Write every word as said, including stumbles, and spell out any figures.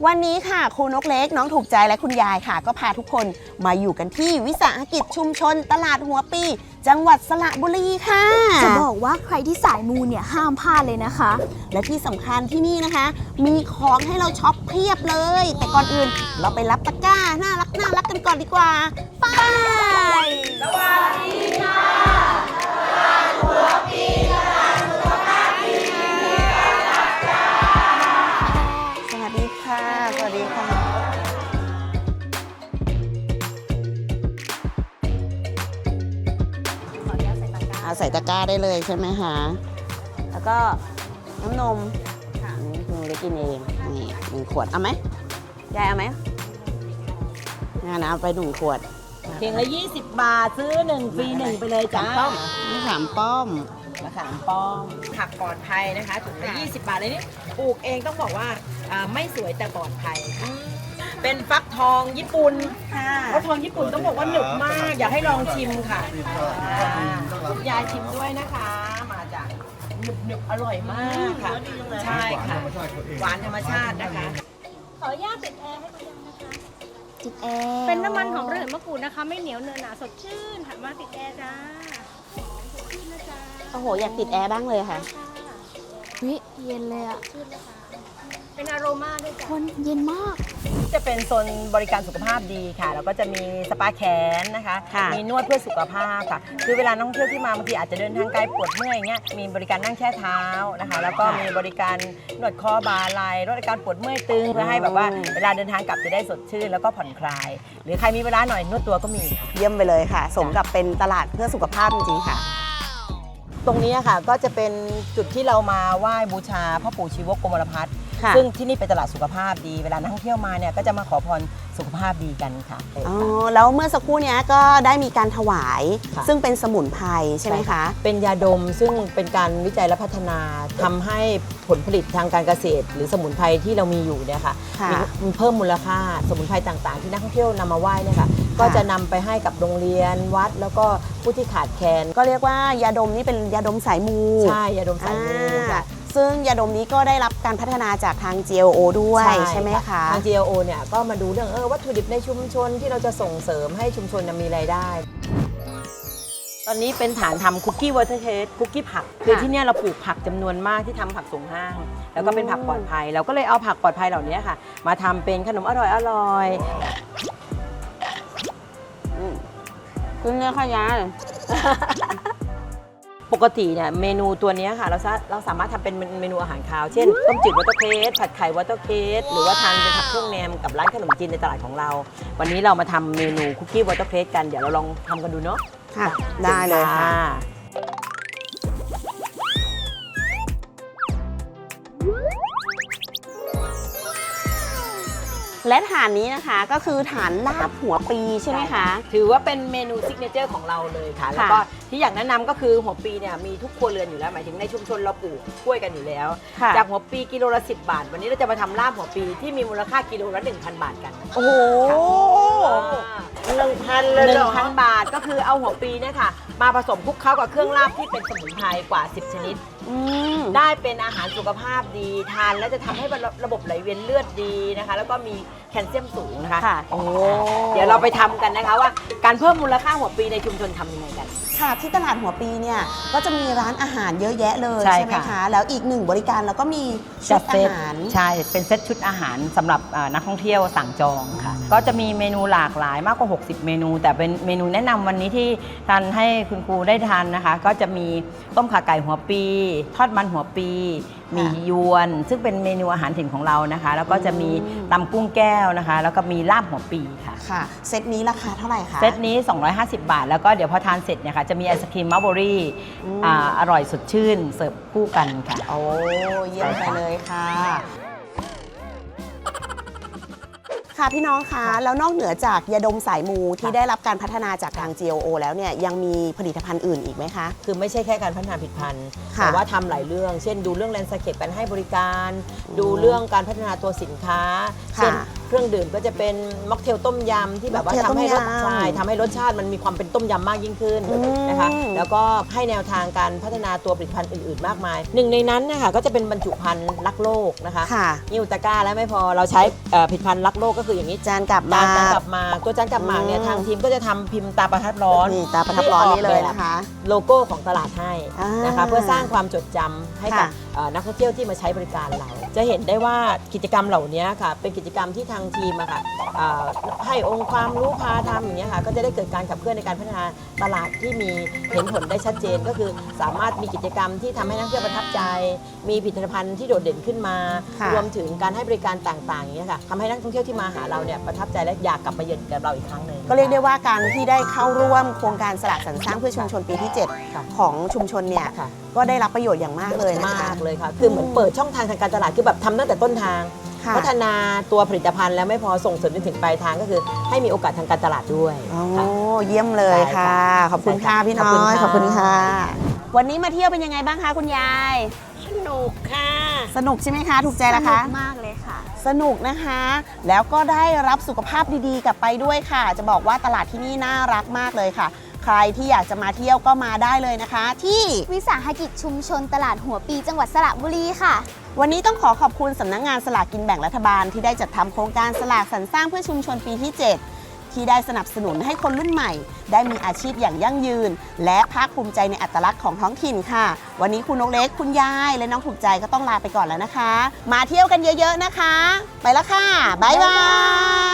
วันนี้ค่ะครูนกเล็กน้องถูกใจและคุณยายค่ะก็พาทุกคนมาอยู่กันที่วิสาหกิจชุมชนตลาดหัวปีจังหวัดสระบุรีค่ะจะบอกว่าใครที่สายมูเนี่ยห้ามพลาดเลยนะคะและที่สำคัญที่นี่นะคะมีของให้เราช็อปเพียบเลยแต่ก่อนอื่นเราไปรับตะกร้าน่ารักน่ารักกันก่อนดีกว่าไปสวัสดีค่ะตลาดหัวปีตลาดสุขภาพดีมีการรับจ้าสวัสดีค่ะสวัสดีค่ะเอาใส่ตะกร้าได้เลยใช่ไหมคะแล้วก็น้ำนมค่ะนี่คุณเล็กกินเองนี่หนึ่งขวดเอาไหมยายเอาไหมงานเอาไปหนึ่งขวดเพียงละยี่สิบบาทซื้อหนึ่งฟรีหนึ่งไปเลยจ้าป้อมนี่สามป้อมมะขามป้อมผักปลอดภัยนะคะถุงละยี่สิบบาทเลยนี่ปลูกเองต้องบอกว่าไม่สวยแต่ปลอดภัยเป็นฟักทองญี่ปุ่นฟักทองญี่ปุ่นต้องบอกว่าหนึบมากอยากให้ลองชิมค่ะคุณยายชิมด้วยนะคะมาจากหนึบหนึบอร่อยมากค่ะใช่ค่ะหวานธรรมชาตินะคะขออนุญาตติดแอร์ให้คุณยังนะคะติดแอร์เป็นน้ำมันหอมระเหยมะกรูดนะคะไม่เหนียวเนื้อหนาสดชื่นถัดมาติดแอร์จ้าสดชื่นนะจ๊ะโอ้โหอยากติดแอร์บ้างเลยค่ะวิเย็นเลยอ่ะชื่นเลยค่ะเป็นอโรมาด้วยจ้ะคนเย็นมากจะเป็นโซนบริการสุขภาพดีค่ะแล้วก็จะมีสปาแขนนะคะมีนวดเพื่อสุขภาพค่ะคือเวลานักท่องเที่ยวที่มาบางทีอาจจะเดินทางไกลปวดเมื่อยอย่างเงี้ยมีบริการนั่งแช่เท้านะคะแล้วก็มีบริการนวดคอบ่าไหล่ลดอาการปวดเมื่อยตึงเพื่อให้แบบว่าเวลาเดินทางกลับจะได้สดชื่นแล้วก็ผ่อนคลายหรือใครมีเวลาหน่อยนวดตัวก็มีเยี่ยมไปเลยค่ะสมกับเป็นตลาดเพื่อสุขภาพจริงๆค่ะตรงนี้ค่ะก็จะเป็นจุดที่เรามาไหว้บูชาพ่อปู่ชีวกโกมลพัฒน์ซึ่งที่นี่เป็นตลาดสุขภาพดีเวลานักท่องเที่ยวมาเนี่ยก็จะมาขอพรสุขภาพดีกันค่ะอ๋อแล้วเมื่อสักครู่นี้ก็ได้มีการถวายซึ่งเป็นสมุนไพรใช่ไหมคะเป็นยาดมซึ่งเป็นการวิจัยและพัฒนาทำให้ผลผลิตทางการเกษตรหรือสมุนไพรที่เรามีอยู่เนี่ยค่ะมีเพิ่มมูลค่าสมุนไพรต่างๆที่นักท่องเที่ยวนำมาไหว้เนี่ยค่ะก็จะนำไปให้กับโรงเรียนวัดแล้วก็ผู้ที่ขาดแคลนก็เรียกว่ายาดมนี่เป็นยาดมสายมูใช่ยาดมสายมูค่ะซึ่งยาดมนี้ก็ได้รับการพัฒนาจากทาง จี แอล โอ ด้วยใช่ไหมคะทาง จี แอล โอ เนี่ยก็มาดูเรื่องเออวัตถุดิบในชุมชนที่เราจะส่งเสริมให้ชุมชนมีรายได้ตอนนี้เป็นฐานทำคุกกี้วอเตอร์เทสคุกกี้ผักคือที่นี่เราปลูกผักจำนวนมากที่ทำผักส่งห้างแล้วก็เป็นผักปลอดภัยเราก็เลยเอาผักปลอดภัยเหล่านี้ค่ะมาทำเป็นขนมอร่อยอร่อยคุณเนื้อขยะปกติเนี่ยเมนูตัวนี้ค่ะเราเราสามารถทำเป็นเมนูอาหารคาวเช่นต้มจืดวอเตอร์เคสผัดไข่วอเตอร์เคสหรือว่าทานเป็นผักเครื่องแนมกับร้านขนมจีนในตลาดของเราวันนี้เรามาทำเมนูคุกกี้วอเตอร์เคสกันเดี๋ยวเราลองทำกันดูเนาะค่ะได้เลยค่ะและฐานนี้นะคะก็คือฐานลาบหัวปีใช่ไหมคะถือว่าเป็นเมนูซิกเนเจอร์ของเราเลยค่ะแล้วก็ที่อยากแนะนำก็คือหัวปีเนี่ยมีทุกครัวเรือนอยู่แล้วหมายถึงในชุมชนเราปลูกกล้วยกันอยู่แล้วจากหัวปีกิโลละสิบบาทวันนี้เราจะมาทำลาบหัวปีที่มีมูลค่ากิโลละ หนึ่งพัน บาทกันโอ้โหหนึ่งพันเลยหนึ่งพันบาทก็คือเอาหัวปีเนี่ยค่ะมาผสมคลุกเคล้ากับเครื่องลาบที่เป็นสมุนไพรกว่าสิบชนิดได้เป็นอาหารสุขภาพดีทานแล้วจะทำให้ระบบไหลเวียนเลือดดีนะคะแล้วก็มีแคลเซียมสูงนะคะโอ้เดี๋ยวเราไปทำกันนะคะว่าการเพิ่มมูลค่าหัวปีในชุมชนทำยังไงกันค่ะที่ตลาดหัวปีเนี่ยก็จะมีร้านอาหารเยอะแยะเลยใช่ไหมคะแล้วอีกหนึ่งบริการแล้วก็มีชุดอาหารใช่เป็นเซตชุดอาหารสำหรับนักท่องเที่ยวสั่งจองค่ะก็จะมีเมนูหลากหลายมากกว่าหกสิบเมนูแต่เป็นเมนูแนะนำวันนี้ที่ทานให้คุณครูได้ทานนะคะก็จะมีต้มข่าไก่หัวปีทอดมันหัวปีมียวนซึ่งเป็นเมนูอาหารถิ่นของเรานะคะแล้วก็จะมีตำกุ้งแก้วนะคะแล้วก็มีลาบหัวปีค่ะค่ะเซตนี้ราคาเท่าไหร่คะเซตนี้สองร้อยห้าสิบบาทแล้วก็เดี๋ยวพอทานเสร็จเนี่ยค่ะจะมีไอศครีมมัลเบอรี่อร่อยสดชื่นเสิร์ฟคู่กันค่ะโอ้เยี่ยมไปเลยค่ะค่ะพี่น้องคะแล้วนอกเหนือจากยาดมสายมูที่ได้รับการพัฒนาจากทาง จี แอล โอ แล้วเนี่ยยังมีผลิตภัณฑ์อื่นอีกไหมคะคือไม่ใช่แค่การพัฒนาผลิตภัณฑ์แต่ว่าทำหลายเรื่องเช่นดูเรื่องแลนด์สเคปการให้บริการดูเรื่องการพัฒนาตัวสินค้าเช่นเครื่องดื่มก็จะเป็นม็อกเทลต้มยำที่แบบว่าม็อกเทลทำให้รสต้มยำใช่ทำให้รสชาติมันมีความเป็นต้มยำมากยิ่งขึ้นอืมนะคะแล้วก็ให้แนวทางการพัฒนาตัวผลิตภัณฑ์อื่นๆมากมายหนึ่งในนั้นนะคะก็จะเป็นบรรจุภัณฑ์รักโลกนะคะค่ะนิวตะกร้าแล้วไม่พอเราใช้เอ่อผลิตภัณฑ์รักโลกก็คืออย่างนี้จานกลับจามานจานกลับมาตัวจานกลับมาเนี่ยอืมทางทีมก็จะทำพิมพ์ตาประทับร้อนนี่ตาประทับร้อนนี่เลยนะคะโลโก้ของตลาดให้อ่านนะคะเพื่อสร้างความจดจำให้กับค่ะเอ่อนักท่องเที่ยวที่มาใช้บริการเรา จะเห็นได้ว่ากิจกรรมเหล่านี้ค่ะเป็นกิจกรรมที่ทางทีมอะค่ะเอ่อให้องค์ความรู้พาทำอย่างเงี้ยค่ะก็จะได้เกิดการขับเคลื่อนในการพัฒนาตลาดที่มีเห็นผลได้ชัดเจน ก็คือสามารถมีกิจกรรมที่ทำให้นักท่องเที่ยวประทับใจ มีผลิตภัณฑ์ที่โดดเด่นขึ้นมาค่ะรวมถึงการให้บริการต่างๆอย่างเงี้ยค่ะทำให้นักท่องเที่ยวที่มาหาเราเนี่ยประทับใจและอยากกลับมาเยือนกับเราอีกครั้งหนึ่งก็เรียกได้ว่าการที่ได้เข้าร่วมโครงการสละสรรสร้างเพื่อชุมชนปีที่ เจ็ดค่ะของชุมชนเนี่ยค่ะก็ได้รับประโยชน์อย่างมากเลยนะคะมากเลยค่ะ คือเหมือนเปิดช่องทางทางการตลาด คือแบบทำตั้งแต่ต้นทางค่ะพัฒนาตัวผลิตภัณฑ์แล้วไม่พอส่งเสริมจนถึงปลายทางก็คือให้มีโอกาสทางการตลาดด้วยโอ้ค่ะเยี่ยมเลยค่ะใช่ค่ะขอบคุณค่ะใช่ค่ะพี่น้อย ขขออบบคุคุณณค่ะค่ะวันนี้มาเที่ยวเป็นยังไงบ้างคะคุณยายสนุกค่ะสนุกใช่ไหมคะ ถูกใจสละนุคะกมากเลยค่ะสนุกนะคะ แล้วก็ได้รับสุขภาพดีๆกลับไปด้วยค่ะ จะบอกว่าตลาดที่นี่น่ารักมากเลยค่ะ ใครที่อยากจะมาเที่ยวก็มาได้เลยนะคะ ที่วิสาหกิจชุมชนตลาดหัวปีจังหวัดสระบุรีค่ะวันนี้ต้องขอขอบคุณสำนักงานสลากกินแบ่งรัฐบาลที่ได้จัดทำโครงการสลากสรรสร้างเพื่อชุมชนปีที่ เจ็ด ที่ได้สนับสนุนให้คนรุ่นใหม่ ได้มีอาชีพอย่างยั่งยืน และภาคภูมิใจในอัตลักษณ์ของท้องถิ่นค่ะ วันนี้คุณนกเล็กคุณยายและน้องถูกใจก็ต้องลาไปก่อนแล้วนะคะ มาเที่ยวกันเยอะๆนะคะ ไปแล้วค่ะบ๊ายบาย